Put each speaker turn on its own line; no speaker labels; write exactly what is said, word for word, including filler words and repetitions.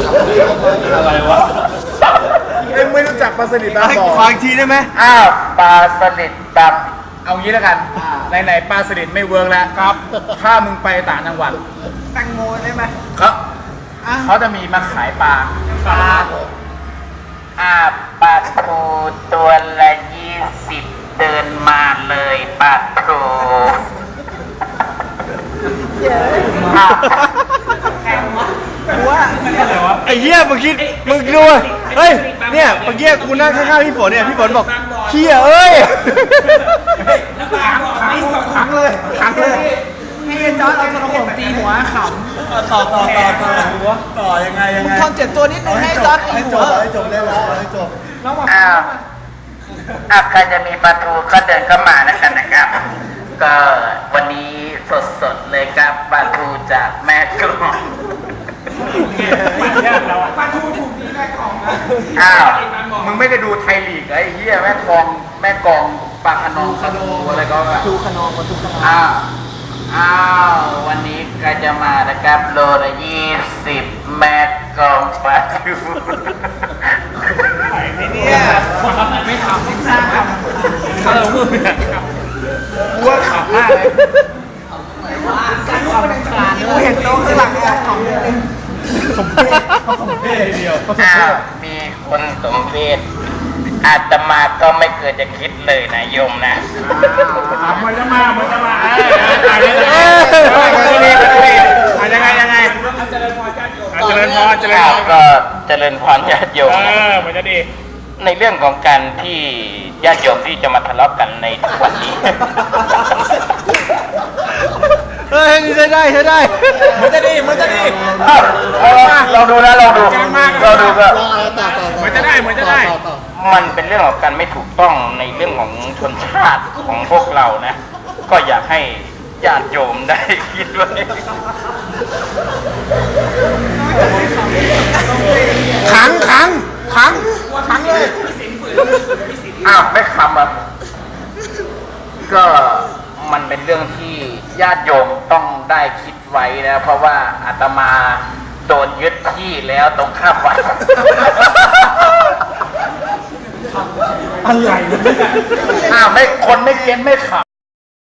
อะไรวะเอ็งไม่รู้จักปลาสลิดบางบ่อฟังทีได้ไหมอ้าวปลาสลิดบางเอางี้แล้วกันไหนๆปลาสลิดไม่เวิร์กแล้วครับ ถ้ามึงไปต่างจังหวัดแตงโมได้ไหมเขาเขาจะมีมาขายปลาปลาอ่าปลาทูตัวละยี่สิบเดินมาเลยปลาทูว่าไอ้เหี้ยมึงคิดมึงดูเฮ้ยเนี่ยเมื่อกี้กูนั่งข้างๆพี่ฝนเนี่ยพี่ฝนบอกเหี้ยเอ้ยขังขังเลยขังเลยให้จอร์ดเอากระผมตีหัวขำต่อต่อต่อต่อหัวต่อยังไงยังไงทำเจ็บตัวนิดนึงให้จอร์ดให้จบให้จบได้แล้วให้จบอ้าวอ่ะใครจะมีปลาทูก็เดินเข้ามาแล้วกันนะครับก็วันนี้สดๆเลยครับปลาทูจากแม่กลองปลาทูถูกดีแม่กลองนะอ้าวมึงไม่ได้ดูไทยลีกไอ้เหี้ยแม่กลองแม่กลองปลาขนองขนูอะไรก็ปลาทูขนองปลาทูขนองอ้าวอ้าววันนี้ก็จะมานะครับโลละยี่สิบแม่กลองปลาทูเนี่ยไม่ทำไม่สร้างทำทำเราพูดเนี่ยวัวขับมากเลยการลูกเป็นการกูเห็นโต๊ะข้างหลังเนี่ยของสมเพศสมเพศเดียวอ้าวมีคนสมเพศอาตมาก็ไม่เคยจะคิดเลยนะโยมนะมันจะมามันจะมาเออยังไงยังไงเจริญพรญาติโยมเจริญพรเจริญพรก็เจริญพรญาติโยมเออมันจะดีในเรื่องของการที่ญาติโยมที่จะมาทะเลาะกันในทุกวันนี้เฮ้ยใช้ได้ใช้ได้มันจะดีมันจะดีเราดูนะเราดูเราดูก็มันจะได้มันจะได้มันเป็นเรื่องของการไม่ถูกต้องในเรื่องของชนชาติของพวกเรานะก็อยากให้ญาติโยมได้คิดไว้ขังขังขังขังเลยอ้าวไม่คำอ่ะก็มันเป็นเรื่องที่ญาติโยมต้องได้คิดไว้นะเพราะว่าอาตมาโดนยึดที่แล้วตรงข้ามวัดอะไรเนี่ยอ้าวไม่คนไม่เก็นไม่ขำ